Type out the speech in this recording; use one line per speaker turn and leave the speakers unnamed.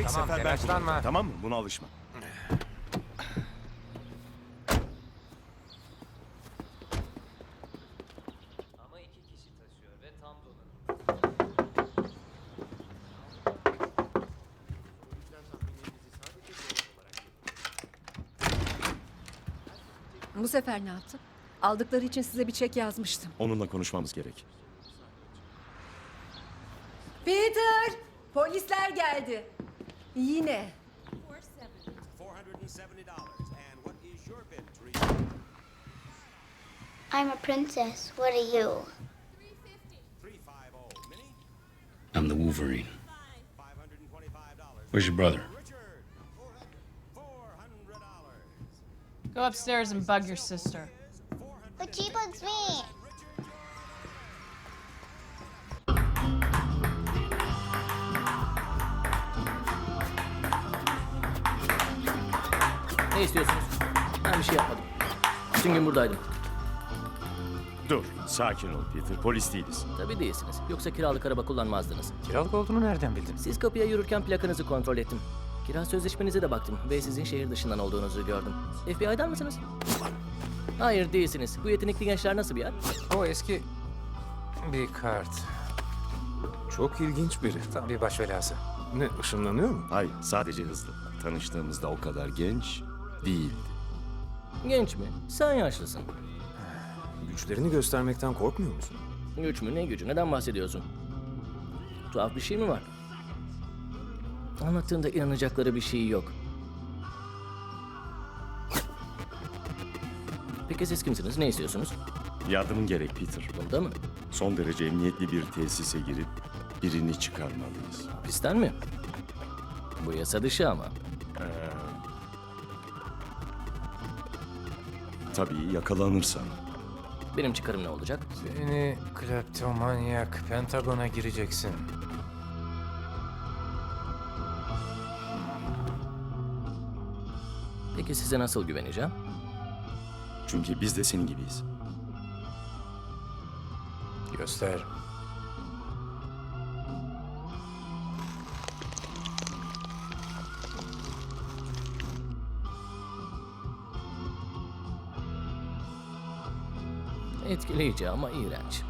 Tamam,
sefer ben
telaşlanma.
kullanacağım, tamam mı? Buna alışma.
Ama 2 kişi taşıyor ve tam donanımlı.
Bu sefer ne yaptın? Aldıkları için size bir çek yazmıştım.
Onunla konuşmamız gerek.
Peter! Polisler geldi. Yine.
$470. And what is your bid, Teresa?
I'm a princess. What are you?
350. Minnie?
I'm the Wolverine.
$525.
Where's your brother?
Richard? $400.
Go upstairs and bug your sister.
But she bugs me.
Ne istiyorsunuz? Ben bir şey yapmadım. Bütün gün buradaydım.
Dur, sakin ol Peter. Polis değiliz.
Tabii değilsiniz. Yoksa kiralık araba kullanmazdınız.
Kiralık olduğunu nereden bildin?
Siz kapıya yürürken plakanızı kontrol ettim. Kira sözleşmenize de baktım ve sizin şehir dışından olduğunuzu gördüm. FBI'dan mısınız? Hayır değilsiniz. Bu yetenekli gençler nasıl bir yer?
O eski bir kart.
Çok ilginç biri.
Tam bir baş belası.
Ne, ışınlanıyor mu?
Hayır, sadece hızlı. Tanıştığımızda o kadar genç değildi.
Genç mi? Sen yaşlısın.
Güçlerini göstermekten korkmuyor musun?
Güç mü ne gücü? Neden bahsediyorsun? Tuhaf bir şey mi var? Anlattığında inanacakları bir şey yok. Peki siz kimsiniz? Ne istiyorsunuz?
Yardımın gerek Peter.
Bunda mı?
Son derece emniyetli bir tesise girip birini çıkarmalıyız.
Hapisten mi? Bu yasa dışı ama.
Tabii yakalanırsan.
Benim çıkarım ne olacak?
Seni kleptomanyak, Pentagon'a gireceksin.
Peki size nasıl güveneceğim?
Çünkü biz de senin gibiyiz.
Göster.
Etkileyici ama iğrenç.